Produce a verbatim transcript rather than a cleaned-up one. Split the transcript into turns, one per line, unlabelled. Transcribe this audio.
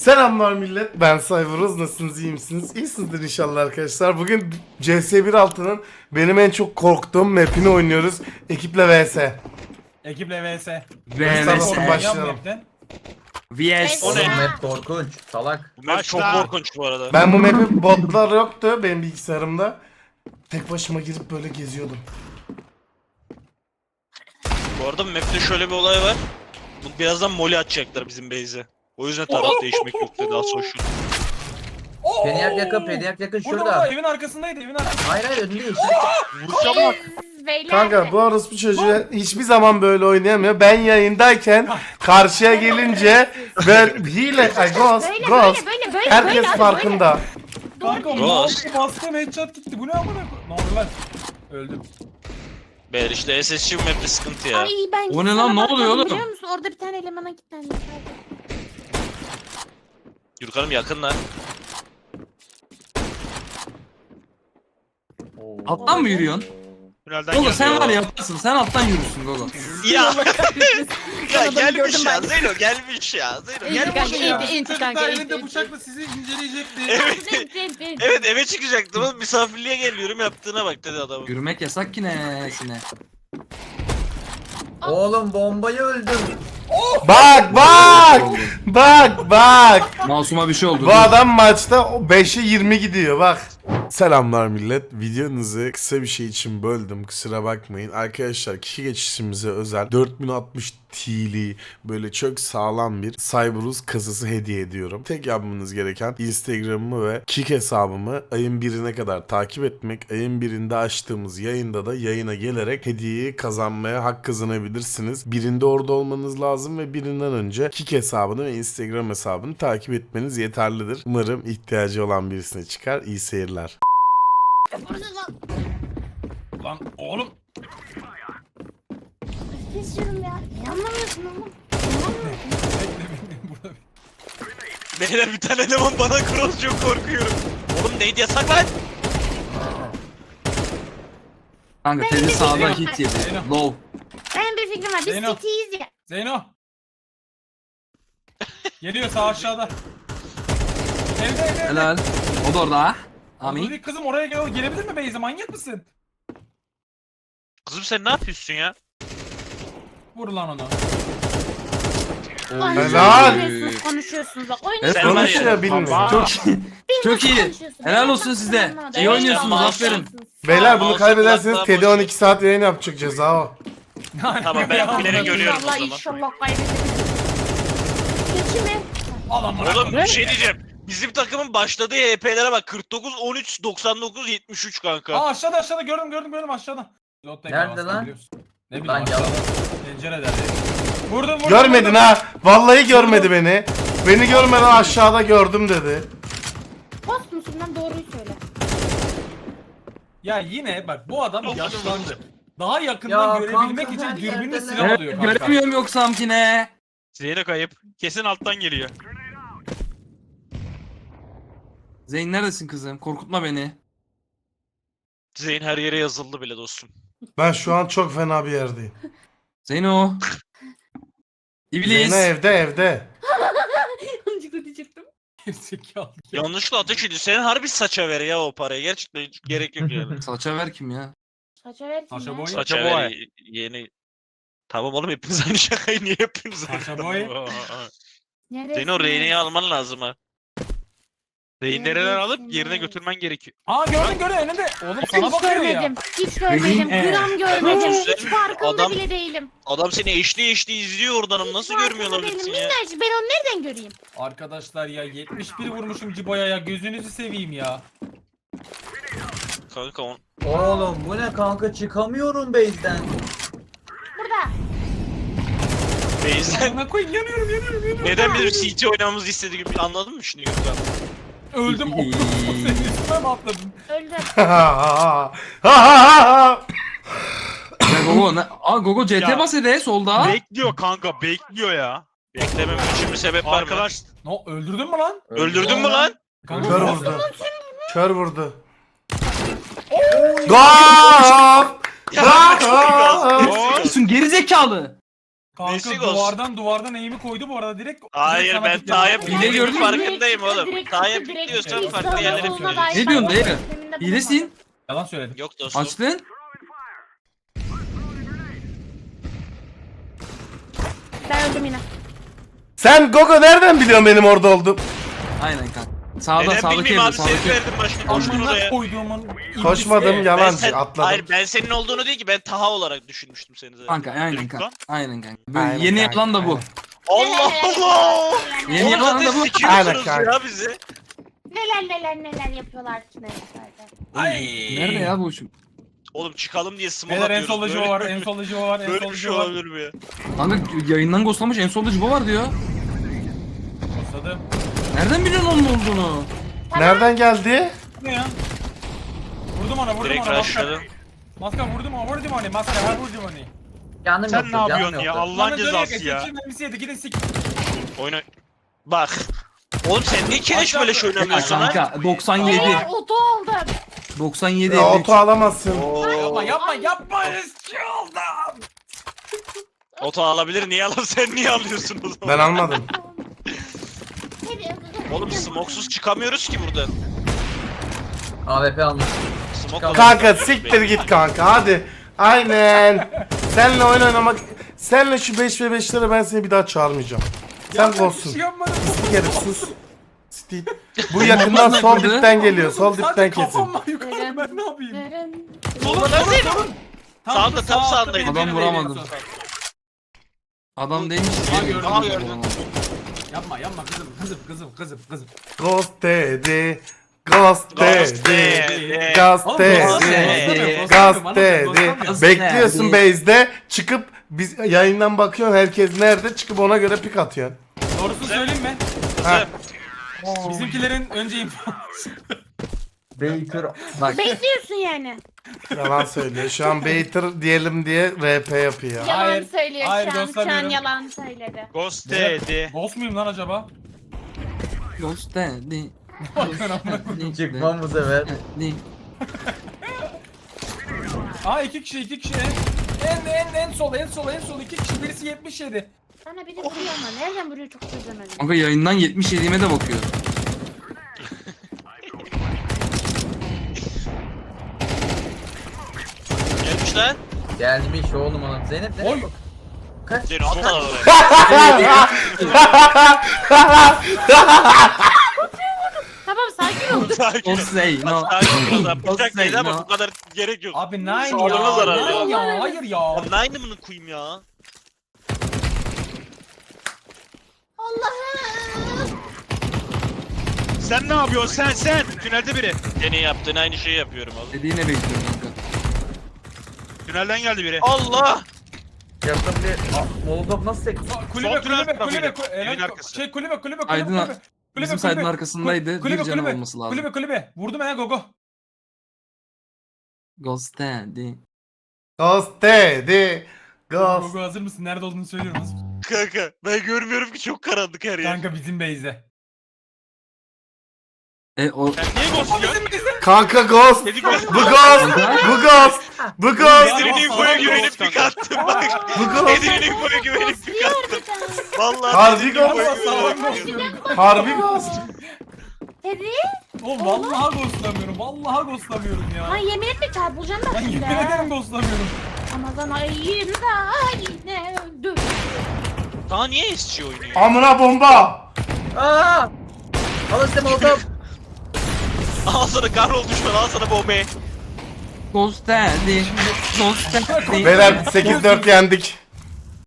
Selamlar millet, ben Cyberuz. Nasılsınız, iyi misiniz? İyisinizdir inşallah arkadaşlar. Bugün C S bir altının benim en çok korktuğum map'ini oynuyoruz. Ekiple vs.
Ekiple vs.
Vs.
Yap
Başlayalım.
map'ten.
V S.
O ne?
Map korkunç, salak.
Bu map çok korkunç bu arada.
Ben bu map'i botlar yoktu benim bilgisayarımda. Tek başıma girip böyle geziyordum.
Bu arada bu map'te şöyle bir olay var. Bu birazdan moli atacaklar bizim base'e. O yüzden taraf değişmek yok dedi az sonra.
Oo!
Pediyak yakın, pediyak yakın
Burada
şurada.
burada evin arkasındaydı evin arkasında.
Hayır hayır önünde yeşil.
Vuruşa bak.
Beyler.
Kanka bu orospu çocuğu hiçbir zaman böyle oynayamıyor. Ben yayındayken karşıya gelince ben hile, ay ghost,
Böyle
ghost.
böyle böyle böyle
Herkes
böyle abi,
farkında.
Kanka
Doğru.
mouse bastım headshot gitti. Bu ne amına koyayım? Ne oldu lan? Öldüm.
Beyler işte S S C bu map'te sıkıntı
böyle.
ya.
Ay ben
O ne
sana
lan, ne oluyor
bakmadım
oğlum?
Biliyor musun? Orada bir tane elemana kilitlendim.
Yurkan'ım yakın lan.
Alttan mı yürüyorsun?
Tünelden
Gogo
geldi
sen
ya.
var ya yaparsın. Sen alttan yürürsün Gogo.
Ya. ya
Adamı
gelmiş
gördüm
ya
ben.
Zeyno gelmiş ya. Zeyno
İyi
gelmiş
kanka,
ya.
iyi.
Çocuk
kanka,
da
iyi,
elinde
iyi.
bıçakla sizi inceleyecekti.
Evet. Evet eve çıkacaktım oğlum misafirliğe geliyorum yaptığına bak dedi adamın.
Yürümek yasak ki nesine.
Oğlum bombayı öldüm.
Bak bak! Bak bak!
Masuma bir şey oldu.
Bu adam maçta beşe yirmi gidiyor bak. Selamlar millet. Videonuzu kısa bir şey için böldüm. Kusura bakmayın. Arkadaşlar kişi geçişimize özel dört bin altmış T'li böyle çok sağlam bir Cyberus kasası hediye ediyorum. Tek yapmanız gereken Instagram'ımı ve Kik hesabımı ayın birine kadar takip etmek. Ayın birinde açtığımız yayında da yayına gelerek hediyeyi kazanmaya hak kazanabilirsiniz. Birinde orada olmanız lazım ve birinden önce Kik hesabını ve Instagram hesabını takip etmeniz yeterlidir. Umarım ihtiyacı olan birisine çıkar. İyi seyirler.
Lan oğlum.
Kesiyorum ya. Anlamıyorsun oğlum.
Bekle bekle burada.
Beyler bir tane eleman bana cross çok korkuyorum. Oğlum neydi yasak lan?
Kanka tezi sağdan hit yedi. Low.
Ben bir fikrim var. Biz
Zeyno.
city'yiz ya.
Zeyno. Geliyor sağ aşağıda. Evde evde evde.
Helal. O da orada ha. Amin.
Dur, kızım oraya gel gelebilir mi Beyze? Manyak mısın?
Kızım sen ne yapıyorsun ya?
Vur lan onu.
Ay,
Helal.
Konuşuyorsunuz, konuşuyorsunuz bak.
Evet,
Oynayın.
Sen var ya.
Konuşuyor bilmiyor.
Çok
Bir
çok
nasıl
iyi.
konuşuyorsunuz?
Helal
Ben
olsun
bak,
size.
anlamadım.
İyi
Evet,
oynuyorsunuz,
tamam.
aferin.
Beyler bunu
Mouse'u
kaybederseniz
kulaklığa
Teddy
boş
on iki saat yayın yapacak ceza o.
Tamam, ben bilerek ölüyorum o
İnşallah
zaman.
inşallah kaybederiz. Geçi mi?
Al amına
Oğlum
koyayım.
bir şey diyeceğim. Bizim takımın başladığı H P'lere bak kırk dokuz on üç doksan dokuz yetmiş üç kanka.
Aa aşağıda aşağıda gördüm gördüm gördüm aşağıda. Lotta'yı
Nerede
bastım,
lan?
biliyorsun. Ne bileyim
Lan
aşağıda. Pencerede. Vurdum vurdum.
Görmedin
vurdum.
ha. Vallahi görmedi beni. Beni görmeden aşağıda gördüm dedi.
Post musun lan doğruyu söyle.
Ya yine bak bu adam
Yok,
yaşlandı. Daha yakından
Ya
görebilmek
kanka,
için
her
dürbünle
yerden
silah
Evet,
alıyor kanka.
göremiyorum yoksa amkine.
Zeyno kayıp. Kesin alttan geliyor.
Zeyn neredesin kızım? Korkutma beni.
Zeyn her yere yazıldı bile dostum.
Ben şu an çok fena bir yerdeyim.
Zeyno. İblis.
Zeyno evde evde.
Yanlışlıkla diyecektim.
Gerizekalı.
Yanlışlıkla ateş ediyor. Senin harbi saça ver ya o parayı. Gerçekten hiç gerek yok yani.
Salça ver kim ya?
Saça ver kim
Saça
ya?
boy.
Saça Saça ver ver y- yeni. Tamam oğlum hepiniz aynı şakayı niye yapıyorsunuz?
Saça boy.
Neresi
Senin o Reyne'yi
ya?
alman lazım ha. Reynelerinden
Neredesin
alıp yerine
ya?
götürmen gerekiyor.
Aa gördüm gördüm önünde. Oğlum sana
Hiç
bakıyor ya.
görmedim. Hiç görmedim.
Rehin-
Gram görmedim.
Sen-
Hiç farkında
adam-
bile değilim.
Adam seni eşli eşli izliyor oradanım.
Hiç
Nasıl
farkında
görmüyor
değilim.
olabilirsin ya?
Minnacık ben onu nereden göreyim?
Arkadaşlar ya yetmiş bir vurmuşum Cibo'ya ya gözünüzü seveyim ya.
Kanka on.
Oğlum bu ne kanka, çıkamıyorum base'den.
Burada.
Beyzen
Amına koyayım yanıyorum yanıyorum yanıyorum.
neden bizim C T oynamamızı istediği gibi anladın mı şimdi Gürkan?
Öldüm. Senin üstüne mi atladım?
Öldüm.
Ya Gogo ne? Aa Gogo C T
Ya.
bas hede solda.
Bekliyor kanka, bekliyor ya.
Beklemem için bir sebep var mı?
Arkadaş,
No öldürdün mü lan?
Öldürdün mü lan?
Kanka,
Kör
nasıl-
vurdu. Kör vurdu. Gol!
Ya,
Gol!
Gerisin geri zekalı.
Kanka
Nesi ghost?
duvardan duvardan eğimi koydu bu arada direkt.
Hayır
direkt
ben
sana
Taha'ya
gitti.
Hile gördün mü?
farkındayım oğlum.
Direkt
Taha'ya
çıktı, direkt
pikliyorsan
çıktı.
farklı yerlere
Soluna
pikliyorsun.
dair
Ne diyorsun
ben
dayı?
tahmininde
Hilesin.
bulunmadım.
Yalan söyledim.
Yok dostum.
Açtın.
Ben öldüm yine.
Sen Gogo nereden biliyorsun benim orada olduğum?
Aynen kanka. Sağda
Neden
sağdaki
bilmeyeyim
evde
abi seni
sağdaki evde.
verdim başka koştun
Amına
oraya.
koyduğumun
Koşmadım
iblisi.
Ben
yalancı
sen,
atladım.
hayır ben senin olduğunu değil ki ben Taha olarak düşünmüştüm seni zaten.
Kanka aynen
Lütfen.
kanka. Aynen kanka. Böyle
Aynen
yeni
kanka,
yalan da bu.
aynen.
Allah Allah.
Yeni
Oğlum
yalan da
zaten
bu.
Aynen
sikiyorsunuz
kanka.
ya bizi.
Neler neler neler yapıyorlar ki neyse.
Ay.
Nerede ya bu şu?
Oğlum çıkalım diye smoke
Beyler en
atıyoruz.
solda
Böyle-
Joe var, en solda Joe var, en
Böyle
solda
bir şey
Joe var.
olabilir mi ya?
Kanka yayından ghostlamış en solda Cibo var diyor.
Basladım.
Nereden biliyorsun onun olduğunu?
Nereden geldi?
Ne ya? Vurdum ona, vurdum
Direkt
ona. Maskar.
rushladım.
Maskar vurdum ona, vurdum ona. Maskar, ha vurdum onu.
Canım
Sen
yoktu,
ne
canım
yapıyorsun ya?
yoktu.
Allah'ın cezası ya.
Şimdi mermisi yedi, gidin sik.
Oyna. Bak. Oğlum sen niye kireç böyle şey
Ya
oynamıyorsun ha?
kanka doksan yedi.
Beyler oto aldım.
doksan yedi.
Ya, oto alamazsın.
Yapma, yapma, yapma. Eski aldım.
Oto alabilir niye alalım sen niye alıyorsun o zaman?
Ben almadım.
Oğlum smoksuz çıkamıyoruz ki buradan.
A W P almış.
Smoke
Kanka siktir git kanka hadi. Aynen. Senle oyun oynamak. Senle şu beş ve beşlere ben seni bir daha çağırmayacağım. Sen
Yapma, bir
golsün.
şey yapmadım.
Stik herif sus. Stik. Bu yakından sol dipten geliyor. Sol dipten
Sadece
kesin.
kafam var yukarıda, ben ne yapayım?
Verin.
Solda neredeydi? Sağda, tam
sağ altta
sağındaydı.
benim
Adam
yerim
vuramadım.
değdi.
Adam değilmiş.
Aha, gördüm.
Aha, gördüm.
Yapma, yapma kızım, kızım, kızım, kızım, kızım.
Ghost dedi. Ghost
Ghost
dedi.
dedi.
Ghost
Oğlum,
dedi.
ghost
dedi.
Ghost dedi.
Ghost
Bekliyorsun
dedi.
base'de çıkıp biz yayından bakıyorsun herkes nerede çıkıp ona göre pik atıyorsun.
Doğrusunu söyleyeyim mi?
Ha.
Bizimkilerin önce info.
Baker.
Bak
Bekliyorsun yani.
Yalan söylüyor. Şu an Baiter diyelim diye R P yapıyor.
Ya.
Yalan
Hayır,
söylüyor
hayır,
şu an. Şu an
göstermiyorum.
yalan söyledi.
Ghost dedi.
Boss muyum lan acaba?
ghost dedi.
Çıkmam bu sefer.
Dedi.
Aa iki kişi, iki kişi. En en en sol, en sol, en sol iki kişi. Birisi yetmiş yedi.
Bana biri vuruyor ama nereden vuruyor çok çözemedim.
Kanka yayından yetmiş yediğime de bakıyor.
Gelmiş lan.
Gelmiş oğlum adam. Zeynep ne?
Oy.
Kaç?
Seni atla oraya.
Tamam sakin ol.
Sakin ol.
Ghost say no.
Sakin ol lan.
Ghost
Bıçak
say
değil ama
no.
bu kadar gerek yok.
Abi nine
Sağlığına
ya.
zarar
Nine
ya.
ya. Hayır ya.
Abi aynı mı koyayım ya?
Allah'ım.
Sen ne yapıyorsun sen sen? Tünelde biri.
Senin yaptığın aynı şeyi yapıyorum oğlum.
Dediğine bekliyorum kanka.
Tünelden geldi biri.
Allah!
Yakın bir... Aa, Molotov nasıl sekti?
Kulübe,
Sol
kulübe,
tünel
kulübe,
tarafıydı.
kulübe,
Evin
kulübe,
arkası.
şey kulübe, kulübe, kulübe,
Aydın-
kulübe, kulübe,
Bizim
kulübe,
saydın arkasındaydı.
kulübe,
Bir canı
kulübe,
olması lazım.
kulübe, kulübe. Vurdum ya gogo.
Ghost dedi.
Ghost dedi. Ghost.
Gogo hazır mısın? Nerede olduğunu söylüyorum. Hazır mısın?
Kanka ben görmüyorum ki çok karanlık her yer.
Kanka bizim base'de.
E o
Sen niye ghost diyorsun?
Kanka Ghost.
Dedi ghost.
Bu Ghost. Bu Ghost. Bu Ghost.
Edwin infoya güvenip pik attım bak.
Bu Ghost.
Edwin infoya güvenip pik
Basıyor
attım.
bir tane.
Vallahi
Harbi
Edwin
ghost.
infoya
Sağlam
güvenip pik
basıyorum.
attım.
Harbi Ghost.
Teddy.
Oğlum vallahi ghostlamıyorum. Vallahi ghostlamıyorum
Lan
ya.
yemin etme çarpılacağım da
Ben
şimdi.
yemin ederim ghostlamıyorum.
Ramazan ayında yine öldü.
Daha niye S G oynuyor?
Amına bomba.
Aa! Al işte Molotov.
Al sana kahrol düşman al sana bombayı.
Ghost dedi. Ghost dedi.
Beyler sekiz dört yendik.